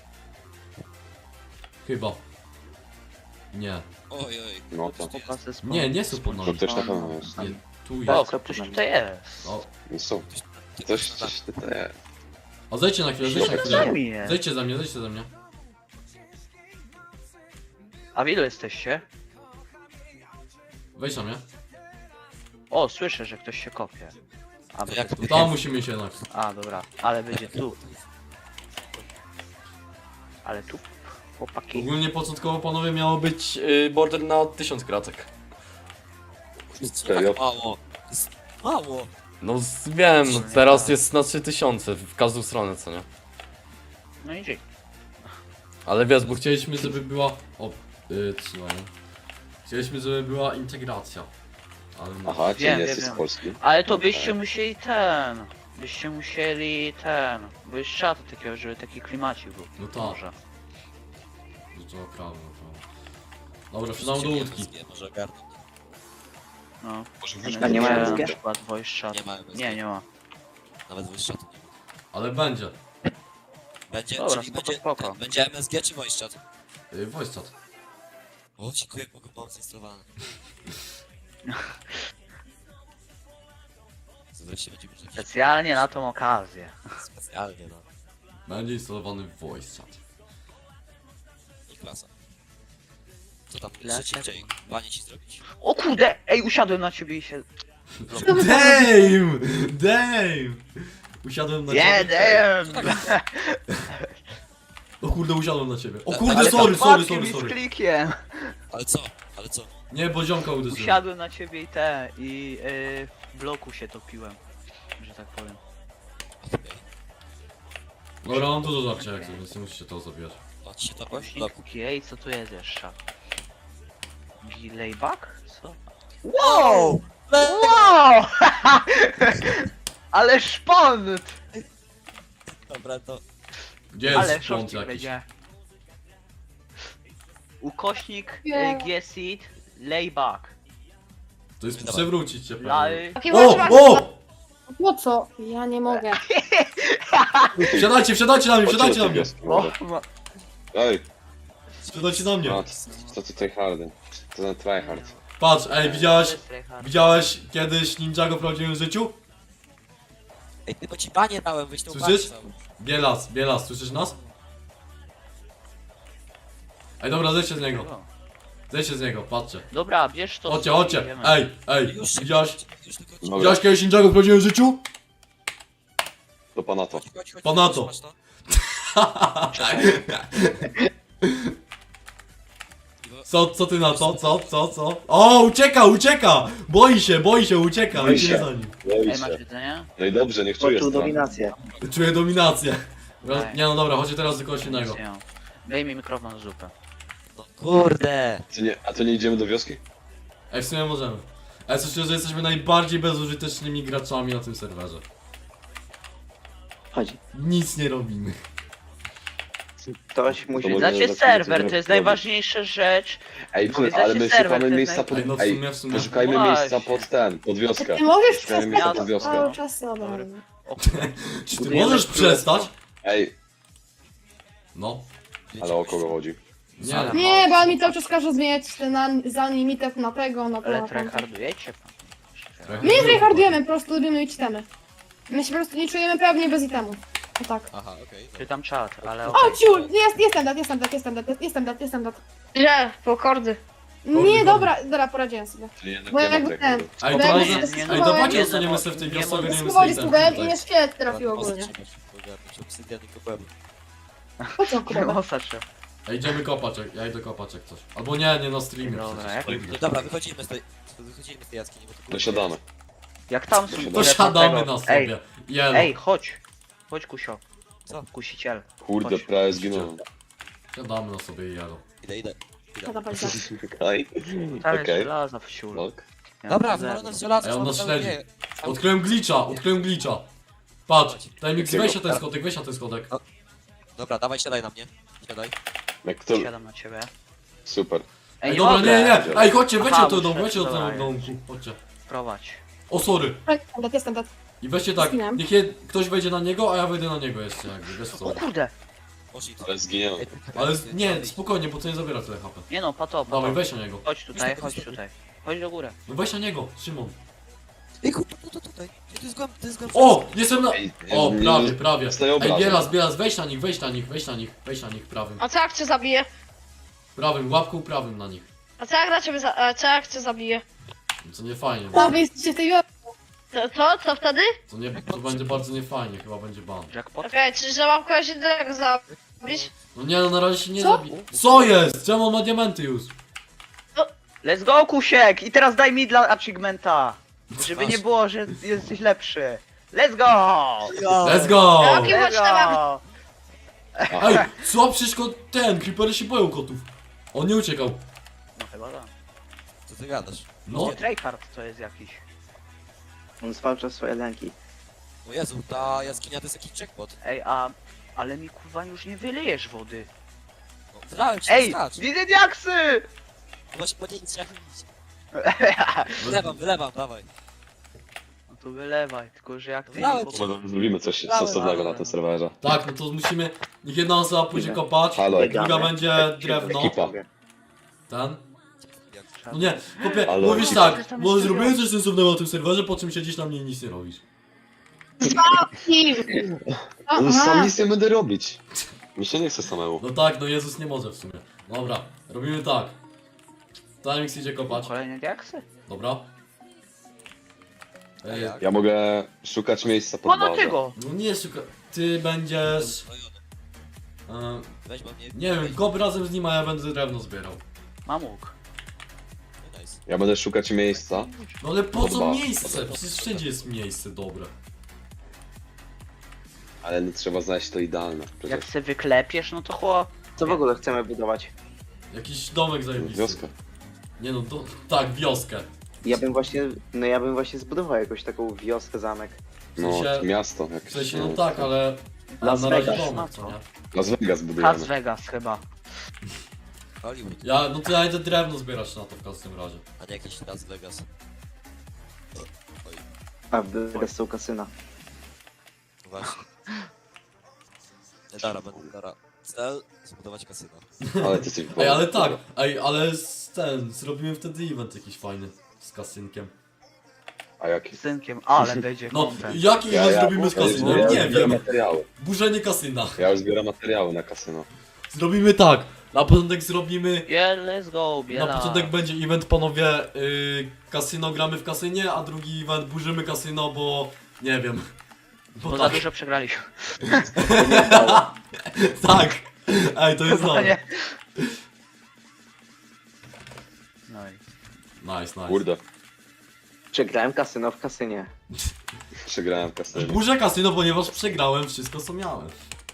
[SPEAKER 1] Chyba. Nie.
[SPEAKER 5] Oj, oj.
[SPEAKER 2] No to.
[SPEAKER 6] Pokazy z-
[SPEAKER 1] Nie, nie są pod
[SPEAKER 2] To
[SPEAKER 1] nami.
[SPEAKER 2] też na pewno jest.
[SPEAKER 1] Nie, tu
[SPEAKER 6] O,
[SPEAKER 1] jest.
[SPEAKER 6] ktoś tutaj jest.
[SPEAKER 1] O.
[SPEAKER 2] No są. Coś, coś tutaj.
[SPEAKER 1] A zejdźcie na chwilę, zejdźcie na chwilę.
[SPEAKER 6] Ziemi jest.
[SPEAKER 1] Zejdźcie ze mnie, zejdźcie ze mnie.
[SPEAKER 6] A w ilu jesteście?
[SPEAKER 1] Wejdź na mnie.
[SPEAKER 6] O, słyszę, że ktoś się kopie. A, bo
[SPEAKER 5] Jak
[SPEAKER 6] to-
[SPEAKER 1] Tam musimy iść jednak.
[SPEAKER 6] A, dobra, ale będzie tu. Ale tu, chłopaki.
[SPEAKER 1] Ogólnie początkowo, panowie, miało być yy, border na tysiąc kratek.
[SPEAKER 2] Serio?
[SPEAKER 5] Tak mało. To jest mało.
[SPEAKER 9] No z- wiem, teraz jest na trzy tysiące w każdą stronę, co nie?
[SPEAKER 6] No i dzięki.
[SPEAKER 9] Ale wiesz, bo
[SPEAKER 1] Bo chcieliśmy, żeby była... O, yy, trzymaj. Chcieliśmy, żeby była integracja. Ale no.
[SPEAKER 2] Aha, czy
[SPEAKER 6] Wiem,
[SPEAKER 2] nie
[SPEAKER 6] wiem,
[SPEAKER 2] jesteś z
[SPEAKER 6] wiem.
[SPEAKER 2] Polski?
[SPEAKER 6] Ale to byście musieli ten. Byście musieli ten. Bo jest szat takiego, żeby taki klimacik był.
[SPEAKER 1] No tak.
[SPEAKER 6] Może.
[SPEAKER 1] No to prawo, no prawo. Dobra, wsiadam do łódki.
[SPEAKER 5] Nie, może ogarnę.
[SPEAKER 6] No.
[SPEAKER 3] A nie ma
[SPEAKER 6] Na
[SPEAKER 3] M S G?
[SPEAKER 6] przykład voice chat.
[SPEAKER 5] Nie ma M S G.
[SPEAKER 6] Nie, nie ma.
[SPEAKER 5] Nawet voice chat.
[SPEAKER 1] Ale będzie.
[SPEAKER 5] Będzie,
[SPEAKER 6] Dobra,
[SPEAKER 5] czyli
[SPEAKER 6] spoko,
[SPEAKER 5] będzie,
[SPEAKER 6] spoko.
[SPEAKER 5] ten, będzie M S G czy voice chat?
[SPEAKER 1] Yy, voice chat.
[SPEAKER 5] O, dziękuję, mogę pomóc zainstalowane. Wreszcie będzie jakiś
[SPEAKER 6] Specjalnie na tą okazję.
[SPEAKER 5] specjalnie, no.
[SPEAKER 1] Będzie instalowany voice chat.
[SPEAKER 5] I klasa. Co tam,
[SPEAKER 6] Klasa.
[SPEAKER 5] szybciej, panie ci zrobić.
[SPEAKER 6] O kurde! Ej, usiadłem na ciebie i się...
[SPEAKER 1] Damn! Damn! Usiadłem na
[SPEAKER 6] Nie,
[SPEAKER 1] ciebie.
[SPEAKER 6] damn!
[SPEAKER 1] O kurde, usiadłem na ciebie. O
[SPEAKER 5] Ale
[SPEAKER 1] kurde,
[SPEAKER 6] Ale
[SPEAKER 1] sorry,
[SPEAKER 6] to
[SPEAKER 1] sorry,
[SPEAKER 6] wpadki
[SPEAKER 1] sorry,
[SPEAKER 6] mi z
[SPEAKER 1] sorry.
[SPEAKER 6] klikiem.
[SPEAKER 5] Ale co? Ale co?
[SPEAKER 1] Nie, bo ziomka uderzyłem.
[SPEAKER 6] Usiadłem na ciebie i te, i yy, w bloku się topiłem. Że tak powiem.
[SPEAKER 5] Okej.
[SPEAKER 1] Dobra, mam dużo żarcia jak więc nie musicie to zabijać.
[SPEAKER 5] O, ci się to w
[SPEAKER 6] Głośnik,
[SPEAKER 5] bloku.
[SPEAKER 6] ej, co tu jest jeszcze? Layback? Co? Wow! Wow! Ale szpont!
[SPEAKER 5] Dobra, to...
[SPEAKER 1] Gdzie
[SPEAKER 6] Ale
[SPEAKER 1] jest front
[SPEAKER 6] szorstki
[SPEAKER 1] jakiś?
[SPEAKER 6] będzie. Ukośnik
[SPEAKER 8] Nie.
[SPEAKER 6] y, G-Seed Layback.
[SPEAKER 1] To jest
[SPEAKER 5] Dawaj.
[SPEAKER 1] przewrócić cię pewnie.
[SPEAKER 6] Lay...
[SPEAKER 8] Takie
[SPEAKER 1] O!
[SPEAKER 8] masz
[SPEAKER 1] O!
[SPEAKER 8] Po co? Ja nie mogę.
[SPEAKER 1] Wsiadajcie, wsiadajcie na mnie, wsiadajcie na mnie!
[SPEAKER 6] O,
[SPEAKER 2] Ej,
[SPEAKER 1] Wsiadajcie na mnie!
[SPEAKER 2] no, co tutaj hardy? To za tryhard.
[SPEAKER 1] Patrz, ej, widziałeś, widziałeś kiedyś Ninjago w prawdziwym życiu?
[SPEAKER 5] Ej, ty, bo ci panie dałem, weź tą
[SPEAKER 1] Słyszysz?
[SPEAKER 5] panię całą.
[SPEAKER 1] Bielas, Bielas, słyszysz nas? Ej, dobra, zejdźcie z niego. Zejdźcie z niego, patrzcie.
[SPEAKER 6] Dobra, bierz to.
[SPEAKER 1] Chodźcie,
[SPEAKER 6] i
[SPEAKER 1] chodźcie.
[SPEAKER 6] idziemy.
[SPEAKER 1] Ej, ej,
[SPEAKER 5] Już się
[SPEAKER 1] widziałeś,
[SPEAKER 5] już tylko
[SPEAKER 2] Dobra.
[SPEAKER 1] widziałeś kiedyś Ninjago w prawdziwym życiu?
[SPEAKER 2] To pana to.
[SPEAKER 5] chodź, chodź, chodź,
[SPEAKER 1] Pana
[SPEAKER 5] chodź,
[SPEAKER 1] to.
[SPEAKER 5] masz to?
[SPEAKER 1] Co, co ty na to? Co, co, co? O, ucieka, ucieka! Boi się, boi się, ucieka,
[SPEAKER 2] Boi
[SPEAKER 1] lecimy
[SPEAKER 2] się.
[SPEAKER 1] za nim.
[SPEAKER 2] Boi
[SPEAKER 6] Ej, masz
[SPEAKER 2] się.
[SPEAKER 6] jedzenie?
[SPEAKER 2] No i dobrze, niech czuje
[SPEAKER 3] Poczuł
[SPEAKER 2] strach.
[SPEAKER 3] dominację.
[SPEAKER 1] Czuję dominację. Raz-
[SPEAKER 6] Daj.
[SPEAKER 1] Nie no dobra, chodźcie teraz do kogoś innego.
[SPEAKER 6] Nie mam. Daj mi mikrofon z zupę.
[SPEAKER 5] No kurde!
[SPEAKER 2] Czy nie, a to nie idziemy do wioski?
[SPEAKER 1] Ej, w sumie możemy. Ale słyszę, że jesteśmy najbardziej bezużytecznymi graczami na tym serwerze.
[SPEAKER 3] Chodzi.
[SPEAKER 1] Nic nie robimy.
[SPEAKER 3] Ktoś musi...
[SPEAKER 2] może
[SPEAKER 6] Znacie
[SPEAKER 2] zaczniemy
[SPEAKER 6] serwer,
[SPEAKER 2] coś
[SPEAKER 6] to jest
[SPEAKER 2] robić.
[SPEAKER 6] najważniejsza rzecz.
[SPEAKER 2] Ej,
[SPEAKER 6] Wy
[SPEAKER 2] ty,
[SPEAKER 6] znacie
[SPEAKER 2] ale my
[SPEAKER 6] serwer,
[SPEAKER 2] szukamy
[SPEAKER 6] to jest
[SPEAKER 2] miejsca
[SPEAKER 6] naj-
[SPEAKER 2] pod...
[SPEAKER 1] Ej, no w
[SPEAKER 2] Ej,
[SPEAKER 1] sumie, w sumie.
[SPEAKER 2] poszukajmy
[SPEAKER 6] Właśnie.
[SPEAKER 2] miejsca pod ten, pod wioskę.
[SPEAKER 8] Ty możesz
[SPEAKER 2] Szukajmy miejsca
[SPEAKER 8] przestać
[SPEAKER 2] pod wioskę.
[SPEAKER 8] cały czas, dobra.
[SPEAKER 6] Dobry.
[SPEAKER 1] Czy ty możesz przestać?
[SPEAKER 2] Ej,
[SPEAKER 1] No.
[SPEAKER 2] ale o kogo chodzi?
[SPEAKER 1] Nie.
[SPEAKER 8] Nie, bo on mi cały czas każe zmieniać ten an- za limitet na tego, na to.
[SPEAKER 6] Ale
[SPEAKER 8] na tamto.
[SPEAKER 6] tryhardujecie pan.
[SPEAKER 1] Trochę
[SPEAKER 8] My nie
[SPEAKER 1] było.
[SPEAKER 8] tryhardujemy, po prostu lubimy mieć itemy. My się po prostu nie czujemy pewnie bez itemów. O tak.
[SPEAKER 5] Aha, okej. Okay,
[SPEAKER 6] Czytam czat, ale
[SPEAKER 8] O,
[SPEAKER 6] okej.
[SPEAKER 8] ciul! Jest, jestem dat, jestem dat, jestem dat, jestem dat, jestem dat.
[SPEAKER 7] Gdzie? Po kordy.
[SPEAKER 8] Nie, dobra, dobra, poradziłem sobie.
[SPEAKER 2] Czyli jednak
[SPEAKER 8] Bo
[SPEAKER 2] nie ma
[SPEAKER 8] jakby
[SPEAKER 2] tego.
[SPEAKER 8] ten-
[SPEAKER 1] Ej,
[SPEAKER 8] Bo
[SPEAKER 1] to
[SPEAKER 8] ja
[SPEAKER 1] może...
[SPEAKER 8] się
[SPEAKER 1] Ej,
[SPEAKER 8] zastanawiałem-
[SPEAKER 1] dawajcie
[SPEAKER 6] Nie,
[SPEAKER 1] zostaniemy
[SPEAKER 6] no,
[SPEAKER 1] sobie w tej
[SPEAKER 6] nie
[SPEAKER 1] wiosce,
[SPEAKER 6] mogę.
[SPEAKER 1] ogarniemy sobie
[SPEAKER 8] Schowali
[SPEAKER 1] ten
[SPEAKER 8] skubek i
[SPEAKER 1] tutaj.
[SPEAKER 8] mnie szkielet trafił ogólnie.
[SPEAKER 5] Ogarnąć obsydian i koperu.
[SPEAKER 8] Po co kubek?
[SPEAKER 6] Mosa trzeba.
[SPEAKER 1] Ej, idziemy kopać, jak- ja idę kopać jak coś. Albo nie, nie na streamie
[SPEAKER 6] Dobra, jak-
[SPEAKER 1] przecież.
[SPEAKER 5] No dobra, wychodzimy z tej, wychodzimy z tej jaskini, bo to
[SPEAKER 2] Dosiadamy.
[SPEAKER 6] Jak tam są...
[SPEAKER 2] To
[SPEAKER 1] To siadamy
[SPEAKER 6] tego-
[SPEAKER 1] na
[SPEAKER 6] Ej,
[SPEAKER 1] sobie. Jelo.
[SPEAKER 6] ej, chodź. Chodź, Kusio.
[SPEAKER 5] Co?
[SPEAKER 6] Kusiciel.
[SPEAKER 2] Kurde,
[SPEAKER 6] Chodź.
[SPEAKER 2] prawie zginąłem.
[SPEAKER 1] Siadamy na sobie i jelo.
[SPEAKER 5] Idę, idę.
[SPEAKER 8] Dobra, dobra.
[SPEAKER 2] Okej.
[SPEAKER 6] Tam jest
[SPEAKER 2] Okej.
[SPEAKER 6] żelaza w siul.
[SPEAKER 2] Ok.
[SPEAKER 6] Ja
[SPEAKER 5] Dobra,
[SPEAKER 6] mam
[SPEAKER 5] wywalone
[SPEAKER 6] zero.
[SPEAKER 5] z żelaza.
[SPEAKER 1] Ej, on nas
[SPEAKER 5] co
[SPEAKER 1] śledzi.
[SPEAKER 5] dzieje?
[SPEAKER 1] Odkryłem glitcha, odkryłem glitcha. Patrz, Timix,
[SPEAKER 2] Jakiego?
[SPEAKER 1] weź na ten schodek, weź na ten schodek.
[SPEAKER 5] Dobra, dawaj, siadaj na mnie. Siadaj.
[SPEAKER 2] Jak to...
[SPEAKER 6] Siadam na ciebie.
[SPEAKER 2] Super.
[SPEAKER 1] Ej,
[SPEAKER 6] Ej,
[SPEAKER 1] dobra,
[SPEAKER 6] mogę.
[SPEAKER 1] nie, nie, ej, chodźcie, weźcie
[SPEAKER 6] Aha,
[SPEAKER 1] do domu,
[SPEAKER 6] muszę-
[SPEAKER 1] weźcie do
[SPEAKER 6] dobra,
[SPEAKER 1] tego domku, chodźcie.
[SPEAKER 6] Prowadź.
[SPEAKER 1] O, sorry.
[SPEAKER 8] Jestem dat, jestem dat.
[SPEAKER 1] I weźcie tak,
[SPEAKER 8] Zginąłem.
[SPEAKER 1] niech je, ktoś wejdzie na niego, a ja wejdę na niego jeszcze, jakby, wiesz
[SPEAKER 6] O
[SPEAKER 1] co.
[SPEAKER 6] kurde.
[SPEAKER 5] Może i to.
[SPEAKER 2] Ale zginęłem.
[SPEAKER 1] Ale z- nie, spokojnie, bo to nie zabiera tyle H P.
[SPEAKER 6] Nie no, pato,
[SPEAKER 1] Dawaj,
[SPEAKER 6] pato.
[SPEAKER 1] weź na niego.
[SPEAKER 6] Chodź tutaj, chodź tutaj. Chodź do góry.
[SPEAKER 1] No weź na niego, Szymon.
[SPEAKER 5] Ej, tu, tu, tu, tutaj. Ej, to jest głęb, to jest głęb.
[SPEAKER 1] O, jestem na...
[SPEAKER 2] Ej,
[SPEAKER 1] O,
[SPEAKER 2] nie-
[SPEAKER 1] prawie, prawie.
[SPEAKER 2] dostaję
[SPEAKER 1] Ej,
[SPEAKER 2] obrażeń.
[SPEAKER 1] Bielas, Bielas, weź na nich, weź na nich, weź na nich, weź na nich, prawym.
[SPEAKER 7] A co jak cię zabiję?
[SPEAKER 1] Prawym, łapką prawym na nich.
[SPEAKER 7] A co jak na ciebie za... A co jak cię zabiję?
[SPEAKER 1] Co nie fajnie,
[SPEAKER 8] A
[SPEAKER 1] bo
[SPEAKER 8] wy jesteście w tej wiosce.
[SPEAKER 7] To, to? Co wtedy?
[SPEAKER 1] to, nie, to będzie bardzo niefajnie, chyba będzie ban.
[SPEAKER 6] Jackpot.
[SPEAKER 7] Okej, czyli że mam kogoś innego zabić?
[SPEAKER 1] No nie, no na razie się nie
[SPEAKER 8] Co?
[SPEAKER 1] zabi... Co jest? Czemu on ma diamenty już?
[SPEAKER 6] Let's go, Kusiek! I teraz daj mi dla achievementa. Żeby nie było, że jesteś lepszy. Let's go!
[SPEAKER 1] Let's go!
[SPEAKER 7] Jakie
[SPEAKER 6] Let's
[SPEAKER 7] chodź tam.
[SPEAKER 6] go!
[SPEAKER 1] Ej, co? Przecież ko- ten, creepery się boją kotów. On nie uciekał.
[SPEAKER 6] No chyba tak.
[SPEAKER 5] Co ty gadasz?
[SPEAKER 1] No,
[SPEAKER 6] Nie, tryhard to jest jakiś.
[SPEAKER 3] On zwalcza swoje lęki.
[SPEAKER 5] O Jezu, ta jaskinia to jest jakiś jackpot.
[SPEAKER 6] Ej, a... Ale mi kurwa już nie wylejesz wody.
[SPEAKER 5] No, wylałem ci,
[SPEAKER 6] Ej!
[SPEAKER 5] skacz.
[SPEAKER 6] Widzę diaksy!
[SPEAKER 5] Właśnie po niej trzeba iść. Wylewam, wylewam, dawaj.
[SPEAKER 6] No to wylewaj, tylko że jak ty...
[SPEAKER 5] Wylałem
[SPEAKER 6] nie
[SPEAKER 5] ci.
[SPEAKER 6] po-
[SPEAKER 2] Może zrobimy coś
[SPEAKER 5] Dałem,
[SPEAKER 2] sensownego
[SPEAKER 6] dałem.
[SPEAKER 2] na tym serwerze.
[SPEAKER 1] tak, no to musimy... Niech jedna osoba pójdzie kopać,
[SPEAKER 2] Halo,
[SPEAKER 1] druga będzie drewno.
[SPEAKER 2] Ekipa.
[SPEAKER 1] Ten. No nie, chłopie,
[SPEAKER 2] Ale-
[SPEAKER 1] mówisz
[SPEAKER 6] Ty
[SPEAKER 1] tak,
[SPEAKER 6] tam
[SPEAKER 1] bo
[SPEAKER 6] jest
[SPEAKER 1] zrobiłem coś sensownego na tym serwerze, po czym siedzisz na mnie i nic nie robisz.
[SPEAKER 8] O,
[SPEAKER 2] No, sam
[SPEAKER 8] aha.
[SPEAKER 2] nic nie będę robić. Mi się nie chce samemu.
[SPEAKER 1] No tak, no Jezus nie może w sumie. Dobra, robimy tak. Timix idzie kopać,
[SPEAKER 6] Kolejne diaksy?
[SPEAKER 1] dobra.
[SPEAKER 5] A
[SPEAKER 1] Ej,
[SPEAKER 5] jak?
[SPEAKER 2] Ja mogę szukać miejsca pod
[SPEAKER 6] O, no
[SPEAKER 2] bazę.
[SPEAKER 6] tego!
[SPEAKER 1] no nie szuka... Ty będziesz...
[SPEAKER 5] Uzbrojony.
[SPEAKER 1] E,
[SPEAKER 5] Weź mam mnie.
[SPEAKER 1] nie wiem, kop razem z nim, a ja będę drewno zbierał.
[SPEAKER 6] Mam łuk.
[SPEAKER 5] No, nice.
[SPEAKER 2] Ja będę szukać miejsca.
[SPEAKER 1] No ale po co
[SPEAKER 2] Dobra.
[SPEAKER 1] miejsce? Przecież wszędzie jest miejsce dobre.
[SPEAKER 2] Ale no, trzeba znaleźć to idealne.
[SPEAKER 6] Jak
[SPEAKER 2] Przecież
[SPEAKER 6] se wyklepiesz, no to chłop.
[SPEAKER 3] Co w ogóle chcemy budować?
[SPEAKER 1] Jakiś domek zajebisty.
[SPEAKER 2] wioskę.
[SPEAKER 1] Nie no, to, tak, wioskę.
[SPEAKER 3] Ja bym właśnie, no ja bym właśnie zbudował jakąś taką wioskę, zamek.
[SPEAKER 2] No,
[SPEAKER 1] sensie-
[SPEAKER 2] miasto.
[SPEAKER 1] W
[SPEAKER 2] Jakieś,
[SPEAKER 1] sensie, no tak, ale... ale
[SPEAKER 3] Las
[SPEAKER 1] na razie
[SPEAKER 3] Vegas.
[SPEAKER 1] domek, co nie?
[SPEAKER 2] Las Vegas
[SPEAKER 6] Las
[SPEAKER 2] budujemy.
[SPEAKER 6] Vegas chyba.
[SPEAKER 5] Hollywood,
[SPEAKER 1] Ja, no to ja idę drewno zbierać na to w każdym razie.
[SPEAKER 5] a nie jakiś Las Vegas.
[SPEAKER 3] A w Vegas są kasyna.
[SPEAKER 5] Właśnie. Nie dara, będę dara. Cel, zbudować kasyno.
[SPEAKER 2] Ale ty jesteś
[SPEAKER 1] Ej, ale tak, ej, ale z ten, zrobimy wtedy event jakiś fajny. Z kasynkiem.
[SPEAKER 2] A jaki?
[SPEAKER 6] Z synkiem, ale będzie
[SPEAKER 1] No,
[SPEAKER 6] content.
[SPEAKER 1] jaki event zrobimy z
[SPEAKER 2] ja już
[SPEAKER 1] kasynem?
[SPEAKER 2] zbieram-
[SPEAKER 1] Nie
[SPEAKER 2] zbieram
[SPEAKER 1] wiem.
[SPEAKER 2] materiały.
[SPEAKER 1] Burzenie kasyna.
[SPEAKER 2] Ja już zbieram materiały na kasyno.
[SPEAKER 1] Zrobimy tak. Na początek zrobimy...
[SPEAKER 6] Yeah, let's go,
[SPEAKER 1] Na
[SPEAKER 6] biela.
[SPEAKER 1] początek będzie event, panowie, yy, kasyno gramy w kasynie, a drugi event burzymy kasyno, bo... Nie wiem. Bo
[SPEAKER 6] Bo za
[SPEAKER 1] tak,
[SPEAKER 6] dużo przegraliśmy.
[SPEAKER 1] tak. Ej, to jest
[SPEAKER 6] Chyba
[SPEAKER 1] dobre.
[SPEAKER 6] nie. No i...
[SPEAKER 1] Nice, nice.
[SPEAKER 2] Kurde,
[SPEAKER 3] Przegrałem kasyno w kasynie.
[SPEAKER 2] przegrałem kasyno.
[SPEAKER 1] Burzę kasyno, ponieważ przegrałem wszystko, co miałem.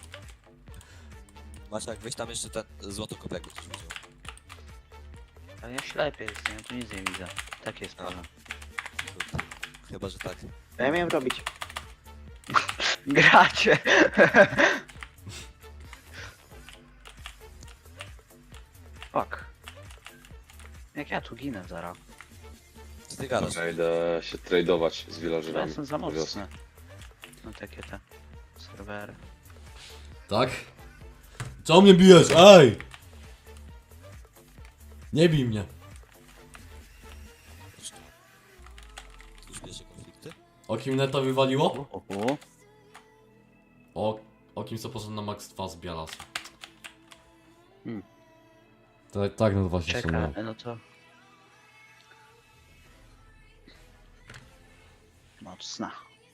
[SPEAKER 5] Maciek, weź tam jeszcze ten złotokop jakby coś widział.
[SPEAKER 6] Ale ja ślepy jestem, ja tu nic nie widzę. Tak jest sprawa.
[SPEAKER 5] chyba że tak.
[SPEAKER 6] Co ja miałem robić? Gracie. Fuck. Jak ja tu ginę zaraz?
[SPEAKER 5] Co ty gadasz?
[SPEAKER 2] Ja idę się tradeować z
[SPEAKER 6] Ja
[SPEAKER 2] villagerami.
[SPEAKER 6] jestem za
[SPEAKER 2] na wiosnę.
[SPEAKER 6] mocny. No takie te serwery.
[SPEAKER 1] Tak? Co mnie bijesz? Ej! Nie bij mnie.
[SPEAKER 5] Tu już bierze konflikty?
[SPEAKER 1] O kim neta wywaliło?
[SPEAKER 6] Uhu.
[SPEAKER 1] O, o kim co poszedł na max dwa z Bialas.
[SPEAKER 6] Hmm.
[SPEAKER 1] Tak, tak no właśnie
[SPEAKER 6] Czekaj,
[SPEAKER 1] są.
[SPEAKER 6] no to... Mocna.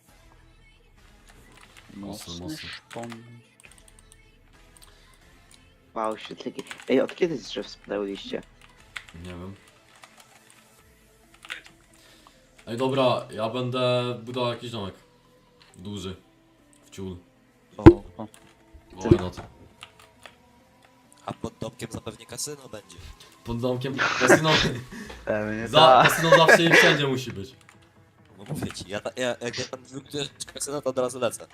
[SPEAKER 1] Mocno,
[SPEAKER 6] Mocny
[SPEAKER 1] mocno.
[SPEAKER 6] szpon. Wow, świetliki. Ej, od kiedy z drzew spadały liście?
[SPEAKER 1] Nie wiem. Ej dobra, ja będę budował jakiś domek. Duży. W ciul.
[SPEAKER 6] O, o.
[SPEAKER 1] Why not?
[SPEAKER 5] A pod domkiem zapewnie kasyno będzie.
[SPEAKER 1] Pod domkiem kasyno.
[SPEAKER 6] Pewnie
[SPEAKER 1] Za,
[SPEAKER 6] tak.
[SPEAKER 1] kasyno zawsze i wszędzie musi być.
[SPEAKER 5] No mówię ci, ja, ta- ja jak ja tam wybudujesz kasyno, to od razu lecę.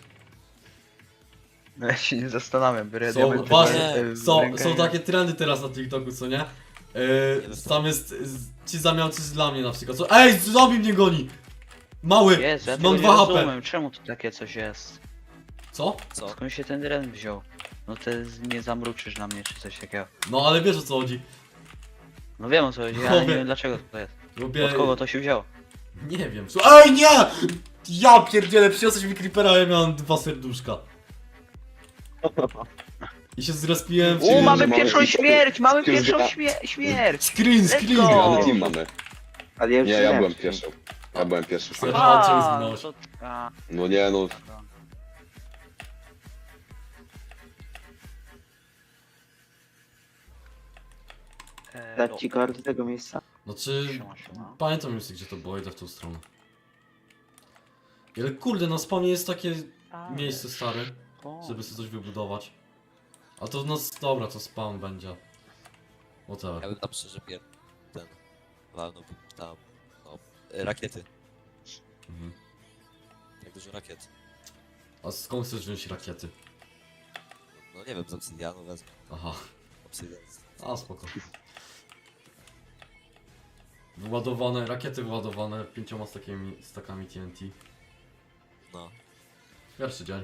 [SPEAKER 6] No ja się nie zastanawiam, biorę
[SPEAKER 1] Są,
[SPEAKER 6] diamenty
[SPEAKER 1] właśnie,
[SPEAKER 6] w- w
[SPEAKER 1] są,
[SPEAKER 6] rękę
[SPEAKER 1] są
[SPEAKER 6] i-
[SPEAKER 1] takie trendy teraz na TikToku, co nie? Yy, tam jest z, ci zamiałcy dla mnie na przykład. Co? Ej, zombie mnie goni! Mały!
[SPEAKER 6] Jezu, ja
[SPEAKER 1] mam
[SPEAKER 6] tego nie
[SPEAKER 1] dwa H P.
[SPEAKER 6] rozumiem, czemu tu takie coś jest?
[SPEAKER 1] Co?
[SPEAKER 5] Co?
[SPEAKER 6] Skąd się ten dren wziął? No ty nie zamruczysz na mnie czy coś takiego.
[SPEAKER 1] No ale wiesz o co chodzi.
[SPEAKER 6] No wiem o co chodzi, ale nie
[SPEAKER 1] Chłopie.
[SPEAKER 6] wiem dlaczego to jest.
[SPEAKER 1] Lubię...
[SPEAKER 6] Od kogo to się wzięło?
[SPEAKER 1] Nie wiem. Słuchaj- Ej, nie! Ja pierdzielę, przyniosłeś mi creepera, a ja miałem dwa serduszka. I się zrespiłem w
[SPEAKER 6] U,
[SPEAKER 2] Czyli,
[SPEAKER 6] mamy
[SPEAKER 2] że mamy
[SPEAKER 6] pierwszą
[SPEAKER 2] ich-
[SPEAKER 6] śmierć! Mamy
[SPEAKER 2] skills
[SPEAKER 6] pierwszą
[SPEAKER 2] gra-
[SPEAKER 6] śmie śmierć!
[SPEAKER 1] Screen,
[SPEAKER 6] Let's
[SPEAKER 1] screen!
[SPEAKER 6] go!
[SPEAKER 2] Ale team mamy.
[SPEAKER 6] Ale ja już
[SPEAKER 2] Nie, ja
[SPEAKER 6] śmierć.
[SPEAKER 2] byłem pierwszy. Ja byłem pierwszy.
[SPEAKER 1] Serio?
[SPEAKER 2] szef.
[SPEAKER 1] A, czemu
[SPEAKER 6] A,
[SPEAKER 1] zginąłeś?
[SPEAKER 6] to... A,
[SPEAKER 2] No nie, no.
[SPEAKER 6] e,
[SPEAKER 3] Dać ci kartę tego miejsca?
[SPEAKER 1] Znaczy,
[SPEAKER 6] Siema, siema.
[SPEAKER 1] pamiętam już gdzie to było, idę w tą stronę. Ale kurde, na spawnie jest takie miejsce stare,
[SPEAKER 6] O,
[SPEAKER 1] żeby sobie coś wybudować. A to no dobra, to spawn będzie. Whatever.
[SPEAKER 5] Ja bym tam szczerze pier... ten... walnąłbym tam... no... y, rakiety.
[SPEAKER 1] Mhm.
[SPEAKER 5] Jak dużo rakiet.
[SPEAKER 1] A skąd chcesz wziąć rakiety?
[SPEAKER 5] No nie wiem, z obsydianu wezmę.
[SPEAKER 1] Aha,
[SPEAKER 5] Obsydian.
[SPEAKER 1] a spoko. Wyładowane, rakiety wyładowane pięcioma stakami, stakami T N T.
[SPEAKER 5] No.
[SPEAKER 1] Pierwszy dzień.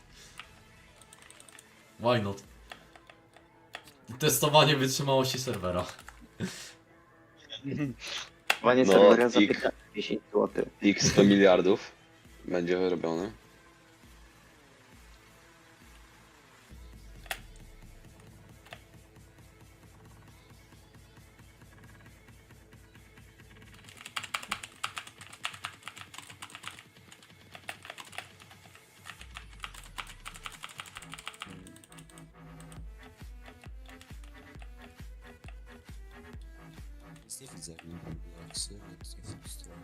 [SPEAKER 1] Why not? Testowanie wytrzymałości serwera.
[SPEAKER 3] Panie
[SPEAKER 2] No,
[SPEAKER 3] serwera za
[SPEAKER 2] ik.
[SPEAKER 3] piętnaście dziesięć złotych.
[SPEAKER 2] X sto miliardów będzie wyrobione.
[SPEAKER 5] Nic nie widzę. Relaksy, nic nie frustruję.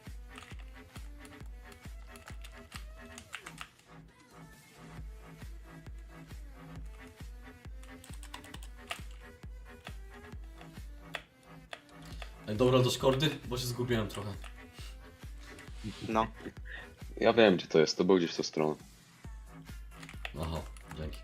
[SPEAKER 1] Ej, dobra, do szkordy, bo się zgubiłem trochę.
[SPEAKER 3] No.
[SPEAKER 2] Ja wiem gdzie to jest, to był gdzieś w tą stronę.
[SPEAKER 1] Aha, dzięki.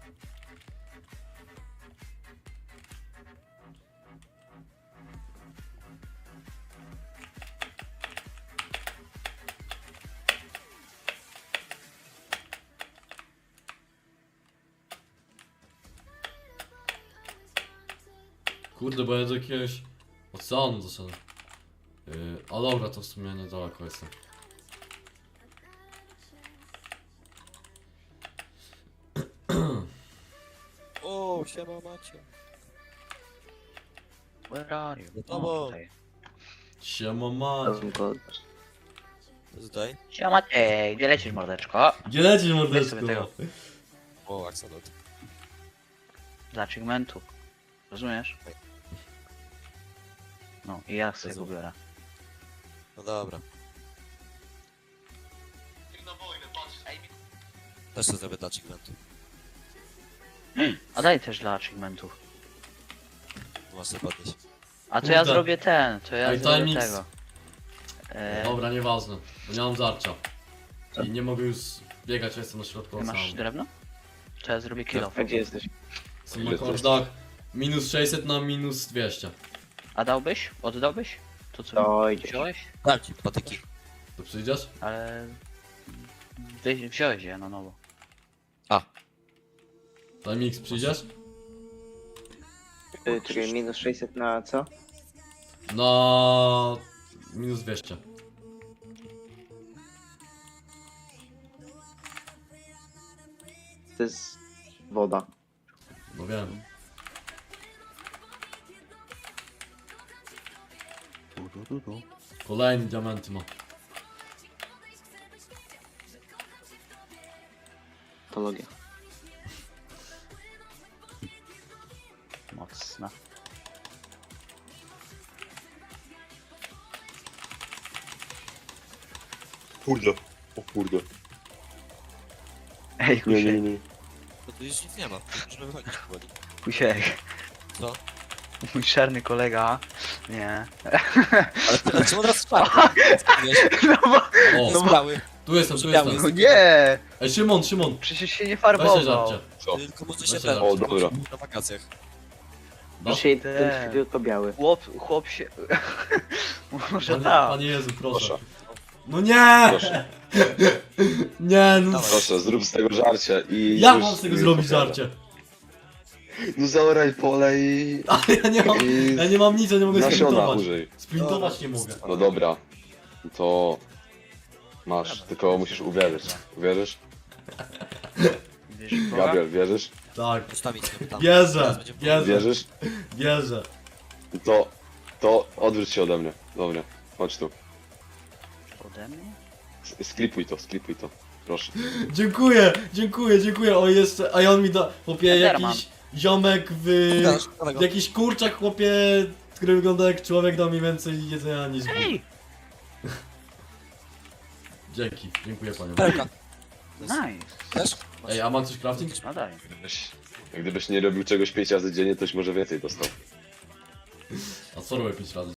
[SPEAKER 1] Kurde, bo ja do jakiegoś oceanu doszedłem. Yy, a dobra, to w sumie niedaleko jestem.
[SPEAKER 5] O, siema macie.
[SPEAKER 6] Where are you?
[SPEAKER 5] No
[SPEAKER 6] O,
[SPEAKER 5] bo-
[SPEAKER 6] tutaj.
[SPEAKER 1] Siema ma.
[SPEAKER 3] Razem go
[SPEAKER 5] To tutaj?
[SPEAKER 6] Siema, ej, gdzie lecisz mordeczko?
[SPEAKER 1] Gdzie lecisz
[SPEAKER 6] Weź
[SPEAKER 1] mordeczko?
[SPEAKER 6] sobie tego.
[SPEAKER 5] O, Axolot.
[SPEAKER 6] Z achievementu. Rozumiesz? No i ja sobie go
[SPEAKER 5] Rozumiem.
[SPEAKER 6] biorę.
[SPEAKER 5] No dobra. Też to zrobię dla achievementu.
[SPEAKER 6] A daj też dla achievementów.
[SPEAKER 5] Masz to podnieść.
[SPEAKER 6] A to ja
[SPEAKER 1] Kurde.
[SPEAKER 6] zrobię ten, to ja
[SPEAKER 1] Ej,
[SPEAKER 6] zrobię
[SPEAKER 1] timings.
[SPEAKER 6] tego. E,
[SPEAKER 1] Dobra, nieważne, bo nie mam żarcia. I nie mogę już biegać, ja jestem na środku
[SPEAKER 6] ty masz
[SPEAKER 1] oceanu.
[SPEAKER 6] drewno? To ja zrobię kill
[SPEAKER 3] A gdzie jesteś?
[SPEAKER 1] Jestem na kordach minus sześćset na minus dwieście.
[SPEAKER 6] A dałbyś? Oddałbyś? To co
[SPEAKER 3] To idzie.
[SPEAKER 6] wziąłeś?
[SPEAKER 5] Dam ci patyki.
[SPEAKER 1] To przyjdziesz?
[SPEAKER 6] Ale... Wy- Wziąłeś je na nowo.
[SPEAKER 1] Time X, przyjdziesz?
[SPEAKER 3] Y, Czekaj, minus sześćset na co?
[SPEAKER 1] Na minus dwieście.
[SPEAKER 3] To jest woda.
[SPEAKER 1] No wiem. Kolejny diamenty ma.
[SPEAKER 3] Patologia.
[SPEAKER 6] Mocna.
[SPEAKER 2] Kurde. O kurde.
[SPEAKER 6] Ej,
[SPEAKER 2] Nie, nie,
[SPEAKER 6] Kusiek,
[SPEAKER 2] nie.
[SPEAKER 5] No tu już nic nie ma. Możemy wychodzić powoli.
[SPEAKER 6] Kusiek.
[SPEAKER 5] Co?
[SPEAKER 6] Mój czarny kolega. Nie.
[SPEAKER 5] Ale ty, czemu od razu czarny? Wiesz,
[SPEAKER 6] No bo...
[SPEAKER 1] O,
[SPEAKER 5] no biały.
[SPEAKER 1] tu jestem, tu
[SPEAKER 5] biały
[SPEAKER 1] jestem.
[SPEAKER 6] No nie!
[SPEAKER 1] Ej, Szymon, Szymon,
[SPEAKER 6] Przecież się nie
[SPEAKER 1] weź się
[SPEAKER 6] farbował.
[SPEAKER 1] żarcie.
[SPEAKER 2] Co?
[SPEAKER 5] Tylko może się
[SPEAKER 1] Weź
[SPEAKER 5] ten...
[SPEAKER 1] się
[SPEAKER 2] O, dobra.
[SPEAKER 5] Na wakacjach.
[SPEAKER 1] No.
[SPEAKER 3] Dzisiaj
[SPEAKER 6] Te.
[SPEAKER 3] ten tylko biały.
[SPEAKER 6] Chłop, chłop się... Może
[SPEAKER 1] Panie,
[SPEAKER 6] tak.
[SPEAKER 1] panie Jezu, proszę.
[SPEAKER 2] Proszę.
[SPEAKER 1] No nie!
[SPEAKER 2] Proszę.
[SPEAKER 1] Nie, no.
[SPEAKER 5] Dawaj.
[SPEAKER 2] Proszę, zrób z tego żarcie i...
[SPEAKER 1] Jak
[SPEAKER 2] już
[SPEAKER 1] mam z tego
[SPEAKER 2] nie
[SPEAKER 1] zrobić
[SPEAKER 2] opowiadam.
[SPEAKER 1] żarcie?
[SPEAKER 2] No zaoraj pole i...
[SPEAKER 1] Ale ja nie mam,
[SPEAKER 2] i
[SPEAKER 1] ja nie mam nic, ja nie mogę
[SPEAKER 2] nasiona
[SPEAKER 1] sprintować.
[SPEAKER 2] użyj.
[SPEAKER 1] Sprintować nie mogę.
[SPEAKER 2] No dobra. To... Masz, tylko musisz uwierzyć. Uwierzysz?
[SPEAKER 6] Wiesz, w Boga?
[SPEAKER 2] Gabriel, wierzysz?
[SPEAKER 1] Tak.
[SPEAKER 5] Ustawić sobie tam.
[SPEAKER 1] Wierzę,
[SPEAKER 5] Teraz będzie-
[SPEAKER 1] wierzę,
[SPEAKER 2] Wierzysz?
[SPEAKER 1] wierzę.
[SPEAKER 2] To... To odwróć się ode mnie. Dobra, chodź tu.
[SPEAKER 6] Ode mnie?
[SPEAKER 2] S- Sklipuj to, sklipuj to. Proszę.
[SPEAKER 1] Dziękuję, dziękuję, dziękuję. O jeszcze, a on mi da, chłopie,
[SPEAKER 6] Enderman.
[SPEAKER 1] jakiś ziomek w...
[SPEAKER 5] Gadasz, gadaj go.
[SPEAKER 1] Jakiś kurczak, chłopie, który wygląda jak człowiek, dał mi więcej jedzenia niż Bóg.
[SPEAKER 6] Ej!
[SPEAKER 1] Dzięki, dziękuję panie.
[SPEAKER 5] Pełka.
[SPEAKER 6] Nice.
[SPEAKER 5] Też?
[SPEAKER 1] Ej, a mam coś crafting?
[SPEAKER 6] No daj.
[SPEAKER 2] Gdybyś, gdybyś nie robił czegoś pięć razy dziennie, toś może więcej dostał.
[SPEAKER 1] A co robię pięć razy